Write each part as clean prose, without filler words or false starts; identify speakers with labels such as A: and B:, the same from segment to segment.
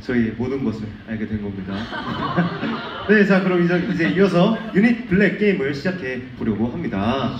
A: 저희 모든 것을 알게 된 겁니다. 네, 자 그럼 이제 이어서 유닛 블랙 게임을 시작해 보려고 합니다.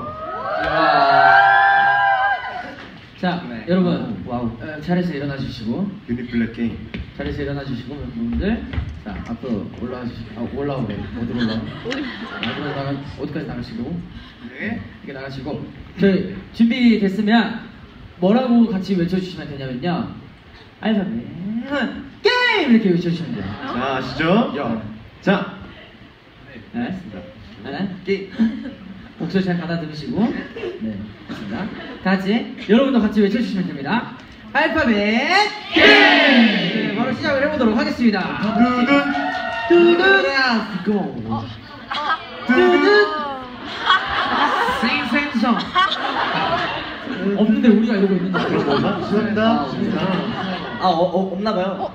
B: 자,
A: 네.
B: 여러분,
A: 와우.
B: 자리에서 일어나 주시고,
A: 유닛 블랙 게임.
B: 자리에서 일어나 주시고, 멤버분들, 자 앞으로 올라와 주시고, 올라오래, 어디로 올라와? 앞으로 어디까지 나가시고,
A: 네.
B: 이렇게 나가시고, 저희 준비됐으면 뭐라고 같이 외쳐주시면 되냐면요, 알파벳 게임 이렇게 외쳐주시면 돼요.
A: 자 아시죠? 자.
B: 네, 알겠습니다. 게임. 목소리 잘 가다듬으시고, 네, 좋습니다. 다 같이 여러분도 같이 외쳐주시면 됩니다. 알파벳 게임! 네, 바로 시작을 해보도록 하겠습니다. 두둔 고 두둔 생생성 없는데 우리가 이러고 있는 거
A: 그런 건가? 죄송합니다.
C: 없나봐요.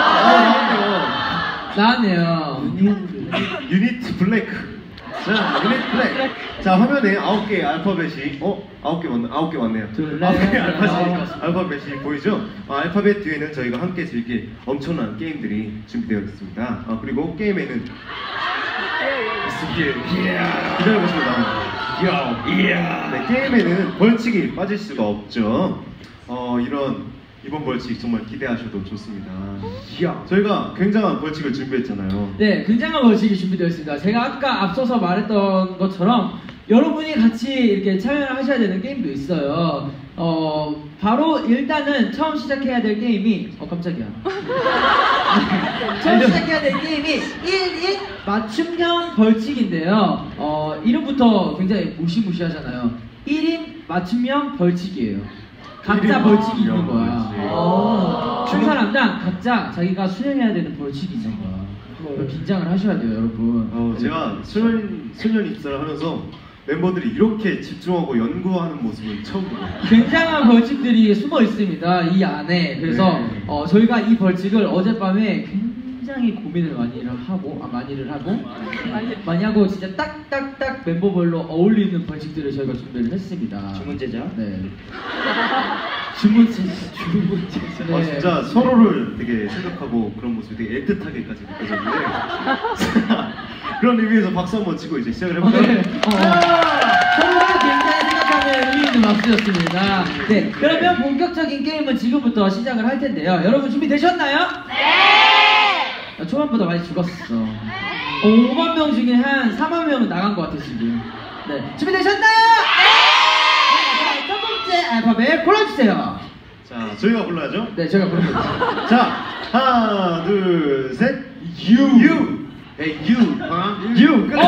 B: 나왔네요.
A: 유닛 블랙. 자, 유닛 블랙. 자, 화면에 9개의 알파벳이 9개 맞네요. 9개의 알파벳이 보이죠? 알파벳 뒤에는 저희가 함께 즐길 엄청난 게임들이 준비되어 있습니다. 그리고 게임에는 기다려보시면 네, 게임에는 벌칙이 빠질 수가 없죠. 이번 벌칙 정말 기대하셔도 좋습니다. 저희가 굉장한 벌칙을 준비했잖아요.
B: 네, 굉장한 벌칙이 준비되어 있습니다. 제가 아까 앞서서 말했던 것처럼 여러분이 같이 이렇게 참여를 하셔야 되는 게임도 있어요. 바로 일단은 처음 시작해야 될 게임이 깜짝이야. 처음 시작해야 될 게임이 1인 맞춤형 벌칙인데요. 이름부터 굉장히 무시무시하잖아요. 1인 맞춤형 벌칙이에요. 각자 벌칙이 있는 거야. 한 사람당 각자 자기가 수행해야 되는 벌칙이 있는 거야. 긴장을 하셔야 돼요, 여러분.
A: 제가 수련 입사를 하면서 멤버들이 이렇게 집중하고 연구하는 모습을 처음 보고
B: 굉장한 벌칙들이 숨어 있습니다, 이 안에. 그래서
A: 네.
B: 저희가 이 벌칙을 어젯밤에 굉장히 고민을 많이 하고 진짜 딱딱딱 멤버별로 어울리는 벌칙들을 저희가 준비를 했습니다.
C: 주문제죠?
B: 네. 주문제. 네.
A: 진짜 서로를 되게 생각하고 그런 모습이 되게 애틋하게까지 느껴졌는데 그런 의미에서 박수 한번 치고 이제 시작을 해볼까요?
B: 네. 서로를 굉장히 생각하는 의미 있는 박수였습니다. 네, 그러면 본격적인 게임은 지금부터 시작을 할 텐데요. 여러분 준비되셨나요? 네! 초반보다 많이 죽었어. 5만 명 중에 한 4만 명은 나간 것 같아 지금. 네, 준비되셨나요? 네! 첫 번째 알파벳 골라주세요.
A: 자, 저희가 불러야죠?
B: 네, 제가 부르겠습니다.
A: 자, 하나, 둘, 셋. U. 네, U. U. 끝.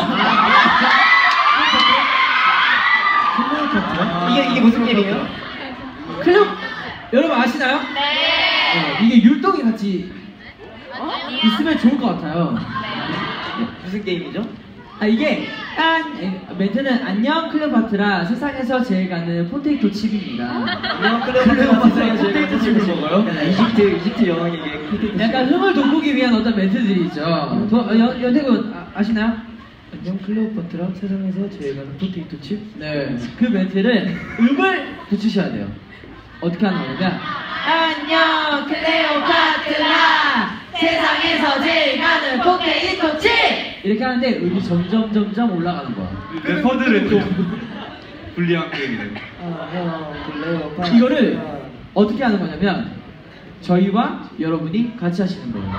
C: 이게 무슨 게임이에요?
B: 클럽 여러분 아시나요? 네. 이게 율동이 같이 있으면 좋을 것 같아요.
C: 무슨 게임이죠?
B: 이게 멘트는 안녕 클레오파트라 세상에서 제일 가는 포테이토 칩입니다.
C: 안녕 클레오파트라 포테이토 칩을 먹어요? 이집트 여왕에게 포테이토 칩.
B: 약간 흥을 돋구기 위한 어떤 멘트들이 있죠. 연태군 아시나요?
C: 안녕 클레오파트라 세상에서 제일 가는 포테이토 칩?
B: 네, 그 멘트를 음을 붙이셔야 돼요. 어떻게 하는 거냐면 안녕 클레오파트라 세상에서 제일 가는 포테이토 칩! 이렇게 하는데 음이 점점 올라가는 거야.
A: 래퍼들은 또 불리한 게임이네.
C: 안녕 클레오파트라.
B: 이거를 어떻게 하는 거냐면 저희와 여러분이 같이 하시는 거예요.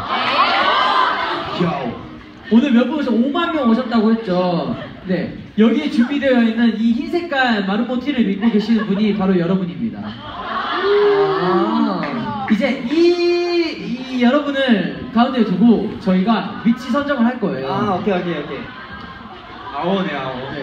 B: 오늘 몇 분 오셔서 5만 명 오셨다고 했죠. 네, 여기에 준비되어 있는 이 흰 색깔 마르모 티를 입고 계시는 분이 바로 여러분입니다. 이제 이 여러분을 가운데 두고 저희가 위치 선정을 할 거예요.
C: 오케이.
A: 아오네.
B: 네.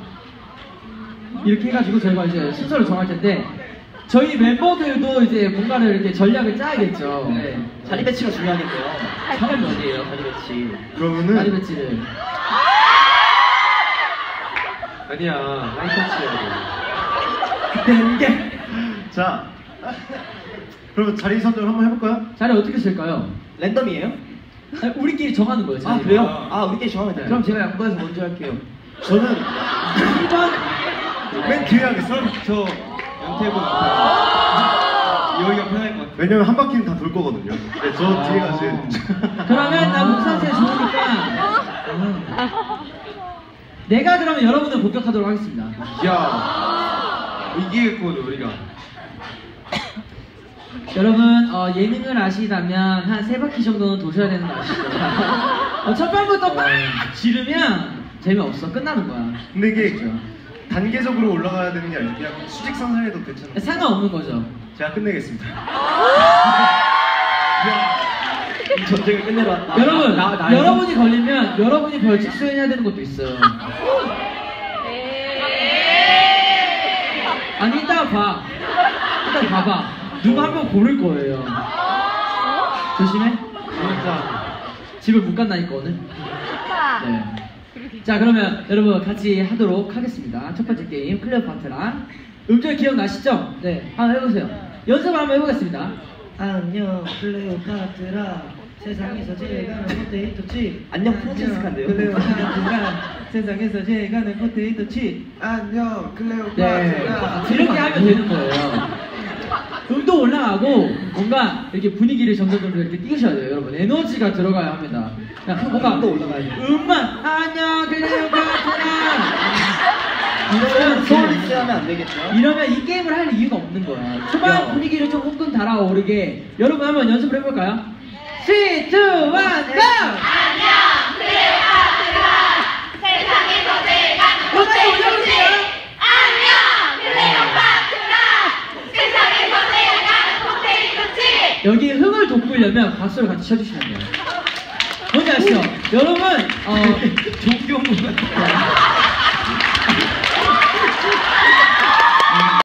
B: 이렇게 해가지고 저희가 이제 순서를 정할 텐데 저희 멤버들도 이제 뭔가를 이렇게 전략을 짜야겠죠.
C: 네. 자리 배치가 중요하겠네요.
B: 자리
C: 어디예요? 자리 배치.
A: 그러면은
B: 자리 배치를.
A: 아니야. 하이터치야.
B: 땡게.
A: 자, 그러면 자리 선정을 한번 해볼까요?
B: 자리 어떻게 쓸까요?
C: 랜덤이에요?
B: 아니, 우리끼리 정하는 거예요. 자리.
C: 그래요? 우리끼리 정하면 돼요.
B: 그럼
C: 제가 양보해서 먼저 할게요.
A: 저는
B: 1번
A: 맨 뒤에 하겠어. 저 연태군
C: 여기가 편할 것 같아요.
A: 왜냐면 한 바퀴는 다 돌 거거든요. 네, 저 뒤에가 제일.
B: 그러면 나 목 상태 좋으니까 내가 그러면 여러분을 공격하도록 하겠습니다.
C: 야, 이기겠거든 우리가.
B: 여러분 예능을 아시다면 한 3바퀴 정도는 도셔야 되는 거 아시죠? 첫 번부터 막 지르면 재미없어. 끝나는 거야.
A: 근데 이게
B: 아시죠?
A: 단계적으로 올라가야 되는 게 아니고 그냥 수직상승해도 괜찮아요.
B: 상관없는 거죠.
A: 제가 끝내겠습니다.
C: 이 전쟁을 끝내러 왔다.
B: 여러분,
C: 나에서?
B: 여러분이 걸리면 여러분이 벌칙 수행해야 되는 것도 있어요. 아니 이따가 봐. 이따가 봐봐. 누가 한 명 고를 거예요. 조심해.
C: 진짜.
B: 집을 못 간다니까 오늘. 네. 자 그러면 여러분 같이 하도록 하겠습니다. 첫 번째 게임 클레오파트라. 음절 기억나시죠? 네. 한번 해보세요. 연습을 한번 해보겠습니다.
D: 안녕 클레오파트라 세상에서 제일 가는 포테이토 칩.
C: 안녕 프란치스카인데요.
D: 클레오파트라 세상에서 제일 가는 포테이토 칩. 안녕
B: 네.
D: 클레오파트라.
B: 이렇게 하면 되는 거예요. 음도 올라가고 뭔가 이렇게 분위기를 점점 이렇게 띄우셔야 돼요, 여러분. 에너지가 들어가야 합니다. 뭔가
C: 음도 올라가야 돼요.
B: 음만 안녕 클레오파트라
C: 이러면 소울리스 하면 안 되겠죠?
B: 이러면 이 게임을 할 이유가 없는 거야. 초반 분위기를 좀 후끈 달아오르게 여러분 한번 연습을 해볼까요? 3, 2, 1, GO!
E: 안녕 클레오파트라 세상에서 제일 가는 포테이토 칩 안녕 클레오파트라 세상에서 제일 가는 포테이토 칩
B: 여기 흥을 돋구려면 박수를 같이 쳐주시면 돼요. 뭔지 아시죠? 여러분
C: 종교문 같은